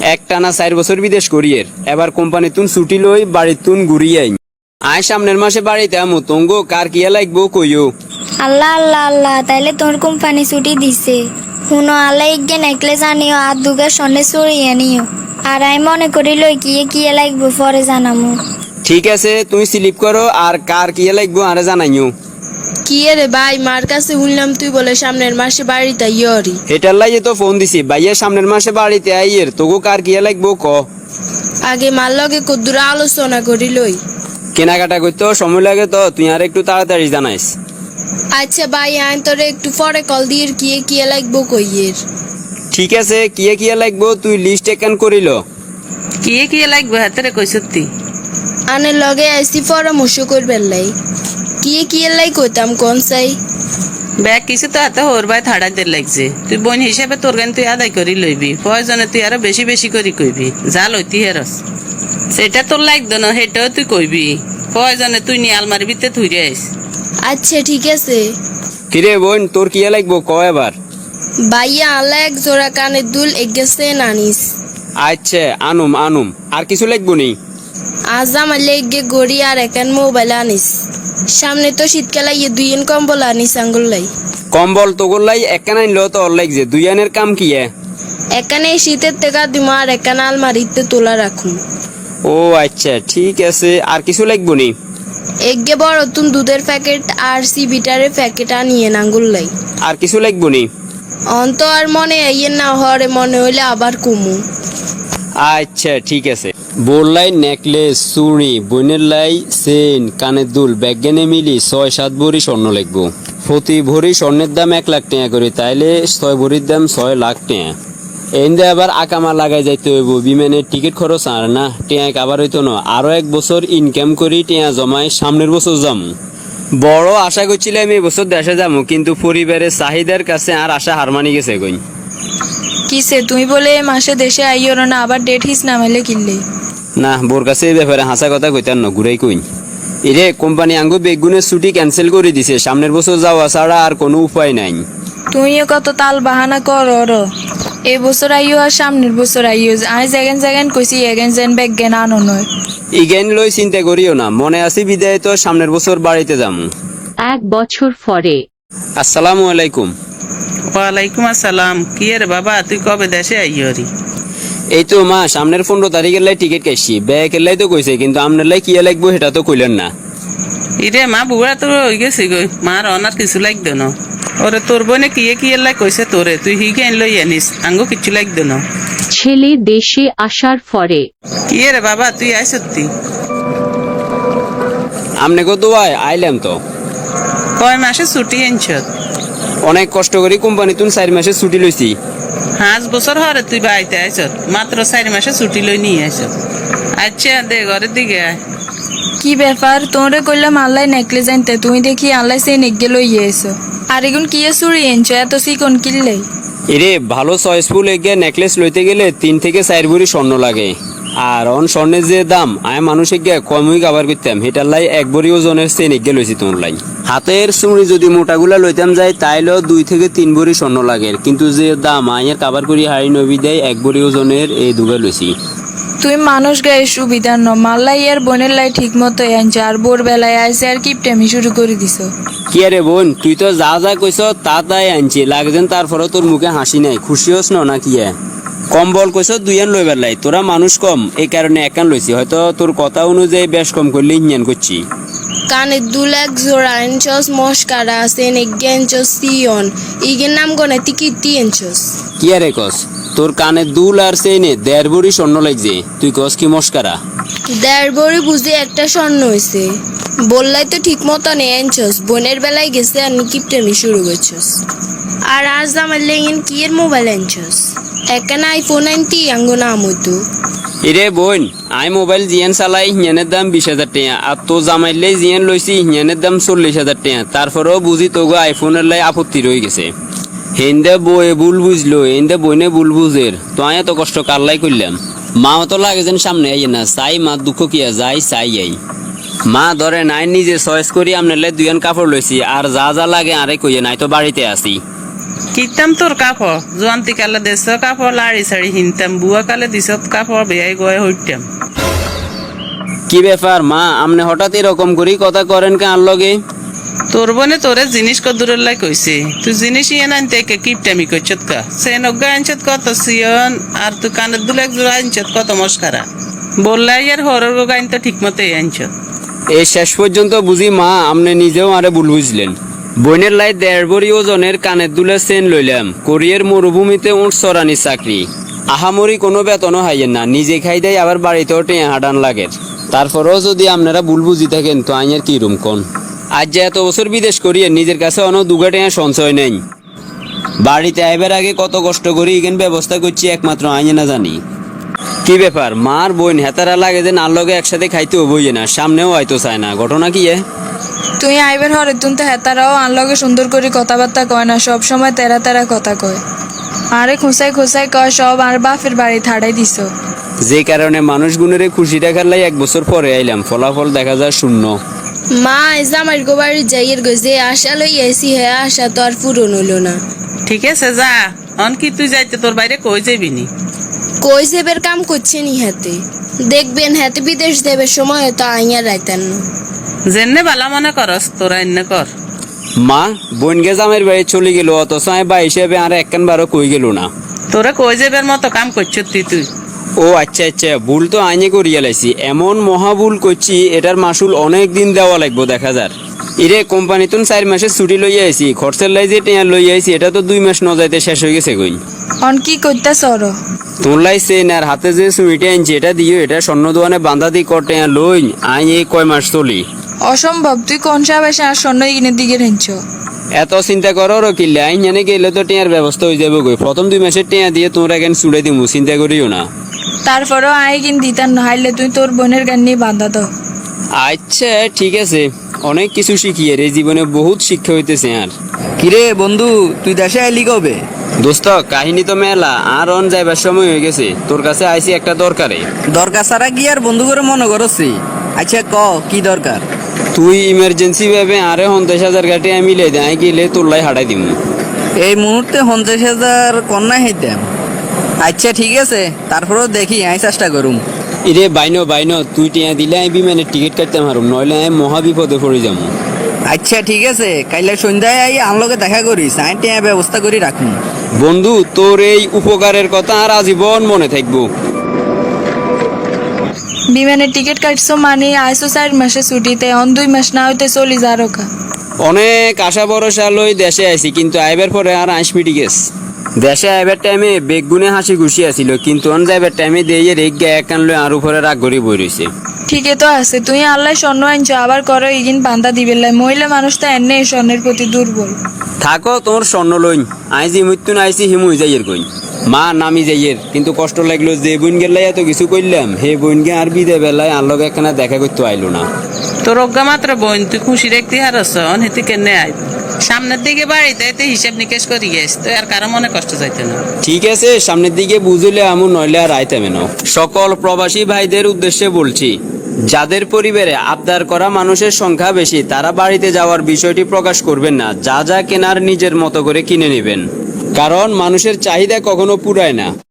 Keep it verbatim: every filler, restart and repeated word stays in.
একটানা চার বছর বিদেশ করিয়ের এবার কোম্পানি তুন ছুটি লই বাড়ি তুন ঘুরিয়ে আইন আয় সামনের মাসে বাড়িতে আমো তঙ্গ কার কিয়া লাগবো কইও। আল্লাহ আল্লাহ আল্লাহ তাইলে তোর কোম্পানি ছুটি দিছে। শুনো আল্লাহ ইগে নেকলেস আনিও আর দুগা সন্ধ্যে চড়িয়ে নিও। আর আমি মনে করি লই কিয়ে কিয়ে লাগবো পরে জানামু। ঠিক আছে তুমি স্লিপ করো আর কার কিয়া লাগবো আরে জানাইও। কি রে ভাই, মার কাছে শুনলাম তুই বলে সামনের মাসে বাড়িতে ইয়রি। এটার লাগে তো ফোন দিছি ভাইয়া সামনের মাসে বাড়িতে আইয়ের তোগো কার কিয়া লাগবো ক। আগে মার লগে কদ্দুর আলোচনা করি লই। কেনাকাটা করতে সময় লাগে তো তুই আর একটু তাড়াতাড়ি জানাইস। আচ্ছা ভাই, আইন তোরে একটু পরে কল দিয়ে কিয়ে কিয়ে লাগবো কইয়ের। ঠিক আছে কিয়া কিয়া লাগবো তুই লিস্ট একান করিল। কিয়ে কিয়ে লাগবে হাতেরে কই সত্যি আনের লগে আইসি পরামর্শ করবেন লাই। কিয়ে কিয়ে লাই কইতাম কোন চাই। ব্যাগ কিছু তো হাতে হোর ভাই থাড়াইতে লাগছে। তুই বোন হিসেবে তোর গান তুই আদায় করি লইবি, প্রয়োজনে তুই আরো বেশি বেশি করি কইবি যা লইতি হেরস। সেটা তোর লাগতো না, সেটাও তুই কইবি। প্রয়োজনে তুই নিয়ে আলমারি ভিতরে থুই আইস। আচ্ছা ঠিক আছে। কিরে বোন তোর কিয়া লাগবো ক এবার। ভাইয়া আল্লাহ এক জোড়া কানের দুল এগেছে নানিস। আচ্ছা আনুম আনুম আর কিছু লাগবো নি। আজ আমার লেগে গড়ি আর একান মোবাইল আনিস। সামনে তো শীতকালে ইয়ে দুই এন কম্বল আনিস আঙ্গুল লাই। কম্বল তোগর লাই একান আনলো তো ওর লাগছে দুই আনের কাম কি এ? এখানে শীতের টাকা দিব আর একান আলমারিতে তোলা রাখুন। ও আচ্ছা ঠিক আছে আর কিছু লাগবো নি। এগে বড় তুন দুধের প্যাকেট আর সি বিটারের প্যাকেট আনিয়ে আঙ্গুল লাই। আর কিছু লাগবো নি। অন্ত আর মনে আইয়ের না হরে মনে হইলে আবার কমু। আচ্ছা ঠিক আছে। বোরলাই নেকলেস চুড়ি বোনের লাই চেন কানের দুল ব্যাগেনে মিলি ছয় সাত ভরি স্বর্ণ লাগবো। প্রতি ভরি স্বর্ণের দাম এক লাখ টাকা করে, তাইলে ছয় ভরির দাম ছয় লাখ টাকা। এনদে আবার আকামা লাগাই যাইতে হইব, বিমানের টিকিট খরচ আর না টেঁয়াক আবার হইতো না। আরো এক বছর ইনকাম করি টেঁয়া জমাই সামনের বছর যাম। বড় আশা করছিলাম এই বছর দেশে যাবো, কিন্তু পরিবারের চাহিদার কাছে আর আশা হার মানি গেছে কই। কিসে তুমি বলে এ মাসে দেশে আইও না, আবার ডেট হিস নামাইলে কিনলে। না বোর কাছে এই ব্যাপারে হাসা কথা কইতার ন ঘুরাই কই। এরে কোম্পানি আঙ্গু বেগুনের ছুটি ক্যান্সেল করে দিছে, সামনের বছর যাওয়া ছাড়া আর কোনো উপায় নাই। তুমিও কত তাল বাহানা করো ওর। এই বছর আইও আর সামনের বছর আইও। আমি যেগেন যেগেন কইছি এগেন যেন ব্যাগ জ্ঞান আনো নয়। ইগেন লই চিন্তা করিও না, মনে আছি বিদায় তো সামনের বছর বাড়িতে যামু। এক বছর পরে। আসসালামু আলাইকুম। ওয়ালাইকুম আসসালাম। কি রে বাবা, তুই কবে দেশে আইয়রি? এই তো মা সামনের পনেরো তারিখের লাই টিকিট কাটছি, ব্যাগের লাই তো কইছে, কিন্তু আপনার লাই কি লাগবো সেটা তো কইলেন না। ইরে মা বুড়া তো হয়ে গেছি গই, মার অনার কিছু লাগতো না। ওরে তোর বোনে কিয়ে কিয়ে লাই কইছে তোরে, তুই হিগে লই আনিস, আঙ্গো কিছু লাগতো না। ছেলে দেশে আসার পরে। কি রে বাবা, তুই আয় সত্যি? আমনে কত আয় আইলাম তো। কয় মাসে ছুটি আনছ? অনেক কষ্ট করি কোম্পানি তুন চার মাসে ছুটি লইছি। পাঁচ বছর হরে তুই বাড়িতে আইছ, মাত্র চার মাসে ছুটি লই নিয়ে আইছ। আচ্ছা দে ঘরের দিকে আয়। কি ব্যাপার, তোমরা কইলাম আল্লাহ নেকলেস আনতে, তুমি দেখি আল্লাহ সেই নেকগে লইয়ে এসো। আর এগুন কি চুরি এনছো এত সিকন কিনলে? এরে ভালো চয়েসফুল এগিয়ে নেকলেস লইতে গেলে তিন থেকে চার ভরি স্বর্ণ লাগে। আর অন স্বর্ণের যে দাম আমি মানুষে গিয়ে কমই কাবার করতাম, সেটার লাই এক ভরি ওজনের চেন এগিয়ে লইছি তোমার লাই। হাতের চুড়ি যদি মোটাগুলা লইতাম যায় তাইলেও দুই থেকে তিন ভরি স্বর্ণ লাগে, কিন্তু যে দাম আইয়ের কাবার করি হাড়ি নবী দেয় এক ভরি ওজনের এই দুগে লইছি। তুই মানুষ গায়ে সুবিধার ন মাল্লাই আর বোনের লাই ঠিক মতো আনছো, আর বোর বেলায় আইসে আর কিপটেমি শুরু করে দিছো। কি আরে বোন তুই তো যা যা কইস তা তাই আনছি, লাগছেন তারপরে তোর মুখে হাসি নাই, খুশি হস না কি? কম্বল কইস দুই আন লইবার লাই, তোরা মানুষ কম এই কারণে একান লইছি, হয়তো তোর কথা অনুযায়ী বেশ কম করলে ইঞ্জান করছি। কানের দুল এক জোড়া এনছস, মস্কারা আছে নেগে এনছস সিয়ন। ইগের নাম গনে তুই কীর্তি এনছস। কি আরে কস তোর কানে দুল আর চেনে দেড় ভরি স্বর্ণ লাগছে, তুই কস কি মস্কারা? দেড় ভরি বুঝে একটা স্বর্ণ হয়েছে। বললাই তো ঠিক মতো নেই এনছস, বোনের বেলায় গেছে আর কিপটেমি শুরু করছস। আর আজ আমার লেগেন কি এর মোবাইল এনছস? একানা আইফোন আনতি আঙ্গো নাম হইতো। এরে বোন আই মোবাইল জিয়ান চালাই হিয়ানের দাম বিশ হাজার টাকা, আর তো জামাইলে জিয়ান লইছি হিয়ানের দাম চল্লিশ হাজার টাকা। তারপরেও বুঝি তোগো আইফোনের লাই আপত্তি রয়ে গেছে। হেন্দে বয়ে ভুল বুঝলো, হেন্দে বইনে ভুল বুঝের, তো আয় এত কষ্ট কারলাই করলাম। মা তো লাগে যেন সামনে আইয়ে না, চাই মা দুঃখ কিয়া যাই চাই আই। মা ধরে নাই নিজে চয়েস করি আপনার লাই দুইয়ান কাপড় লইছি, আর যা যা লাগে আরে কইয়ে নাই তো বাড়িতে আসি। কিতাম তোর কাপড় জোয়ান্তি কালে দেশ কাপড় লাড়ি সাড়ি হিনতাম বুয়া কালে দিস কাপড় বেয়াই গয়ে হইতাম। কি ব্যাপার মা, আপনি হঠাৎ এরকম করেই কথা করেন কে আর লগে? তোর বোনে তোরে জিনিস কদুরের লাই কইছে, তুই জিনিস ইয়ে আনতে কে কিপটামি কইছত কা সে নগ্গা আনছত কত সিয়ন আর তুই কানের দুলে এক জোড়া আনছত কত মস্কারা বললাই আর হরর গাইন তো ঠিক মতোই আনছত। এই শেষ পর্যন্ত বুঝি মা আপনি নিজেও আরে ভুল বুঝলেন। বইনের লাই দেড় বড়ি ওজনের কানের দুলে চেন লইলাম, কোরিয়ার মরুভূমিতে উঠ চড়ানি চাকরি, আহামরি কোনো বেতনও হাইয়েন না, নিজে খাই দেয় আবার বাড়িতেও টেঁ হাঁটান লাগে। তারপরেও যদি আপনারা ভুল বুঝি থাকেন তো আইনের কি রুম কোন? আজ যে এত বছর বিদেশ করিয়ে নিজের কাছে অনেক দুগা টেঁ সঞ্চয় নেই, বাড়িতে আইবার আগে কত কষ্ট করি এখান ব্যবস্থা করছি একমাত্র আইনে না জানি। কি ব্যাপার মার বোন হেতারা লাগে যে নার লগে একসাথে খাইতেও বইয়ে না, সামনেও হয়তো চায় না, ঘটনা কি এ? তুই আইবের হরে তুন তো হেতারাও আনলগে সুন্দর করে কথাবার্তা কয় না, সব সময় তেরা তেরা কথা কয়। আরে খোঁসাই খোঁসাই কয় সব আর বাপের বাড়ি থাড়াই দিছ। যে কারণে মানুষ গুণের খুশি দেখার লাই এক বছর পরে আইলাম, ফলাফল দেখা যায় শূন্য। মা এসে আমার গো বাড়ি যাইয়ের গো যে আশা লই আইসি হ্যাঁ আশা তো আর পূরণ হইল না। ঠিক আছে যা, অন কি তুই যাইতে তোর বাইরে কই যাবি নি? কই সেবের কাম করছে নি হাতে, দেখবেন হাতে বিদেশ দেবের সময় তো আইয়া রাইতেন না। যেনে বালা মনে করস তোরা এনে কর। মা বোন গে জামের বাড়ি চলে গেল, অথচ আমি বা হিসেবে আর একখান বারো কই গেল না। তোরা কই যাবের মতো কাম করছিস তুই তুই ও আচ্ছা আচ্ছা, ভুল তো আইনে করিয়া লাইছি, এমন মহা ভুল করছি এটার মাসুল অনেক দিন দেওয়া লাগবো দেখা যার। ইরে কোম্পানি তুন চার মাসের ছুটি লইয়া আইছি, খরচের লাই যে টেয়ার লইয়া আইছি এটা তো দুই মাস ন যাইতে শেষ হয়ে গেছে কই। অন কি করতে সর তোর লাই চেন আর হাতে যে সুইটে আনছি এটা দিও, এটা স্বর্ণ দোকানে বান্ধা দি কর টেয়ার লই আই এই কয় মাস চলি। অসম্ভব, তুই কোন সাহেব এসে আর স্বর্ণ ইগিনের দিকে রেঞ্চ। এত চিন্তা করো কিল্লে আইন জানে গেলে তো টেয়ার ব্যবস্থা হয়ে যাবে গই, প্রথম দুই মাসের টেয়া দিয়ে তোমরা কেন চুড়ে দিমু, চিন্তা করিও না। তারপরেও আই কিন দিতার না, হাইলে তুই তোর বোনের গান নিয়ে বান্ধা দাও। আচ্ছা ঠিক আছে, অনেক কিছু শিখিয়ে রে, জীবনে বহুত শিক্ষা হইতেছে। আর কিরে বন্ধু, তুই দেশে আইলি কবে? দোস্ত কাহিনী তো মেলা, আর অন যাইবার সময় হয়ে গেছে, তোর কাছে আইছি একটা দরকারে। দরকার ছাড়া কি আর বন্ধু করে মনে করছি? আচ্ছা ক কি দরকার? তুই ইমার্জেন্সি ভাবে আরে পঞ্চাশ হাজার গাড়ি আমি মিলে দে, আই গেলে তোর লাই হাঁটাই দিমু। এই মুহূর্তে পঞ্চাশ হাজার কন্যা হইতাম। আচ্ছা ঠিক আছে, তারপরেও দেখি আমি চেষ্টা করুম। ইরে বাইনো বাইনো, তুই টিয়া দিলে আমি বিমানের টিকিট কাটতে পারুম, নইলে আমি মহা বিপদে পড়ে যাবো। আচ্ছা ঠিক আছে, কাইলে সন্ধ্যায় আই আনলোকে দেখা করিস, আমি টিয়া ব্যবস্থা করি রাখুন। বন্ধু তোর এই উপকারের কথা আর আজীবন মনে থাকবো। বিমানের টিকিট কাটছো মানে আইসো চার মাসে ছুটিতে, অন দুই মাস না হইতে চলি যা রোকা। অনেক আশা ভরসা লই দেশে আইছি, কিন্তু আইবার পরে আর আইসমি ঠিক আছে। দেশে আইবার টাইমে বেগুনে হাসি খুশি আছিল, কিন্তু অন যাইবার টাইমে দিয়ে রেগ গে একান লই আর উপরে রাগ গড়ি বই রয়েছে। ঠিকই তো আছে, তুই আল্লাহ স্বর্ণ আনছো আবার করো ইগিন বান্ধা দিবে লাই, মহিলা মানুষ তো এনে স্বর্ণের প্রতি দুর্বল। থাকো তোর স্বর্ণ লইন, আইজি মৃত্যু না আইসি হিমুই যাইয়ের কই মা নামি যাইয়ের, কিন্তু কষ্ট লাগলো যে বোন গেলাই এত কিছু কইলাম, হে বোন গে আর বিদায় বেলায় আর লগে একখানা দেখা করতে আইলো না। তোর অজ্ঞা মাত্র বোন তুই খুশি রাখতে হারস হেতে কেনে আইব সামনের দিকে বাড়িতে এতে হিসাব নিকেশ করি গেছ তো আর কারো মনে কষ্ট যাইতে না। ঠিক আছে সামনের দিকে বুঝলে আমু, নইলে আর আইতে মেনো। সকল প্রবাসী ভাইদের উদ্দেশ্যে বলছি, যাদের পরিবারে আবদার করা মানুষের সংখ্যা বেশি তারা বাড়িতে যাওয়ার বিষয়টি প্রকাশ করবেন না, যা যা কেনার নিজের মতো করে কিনে নেবেন, কারণ মানুষের চাহিদা কখনো পুরায় না।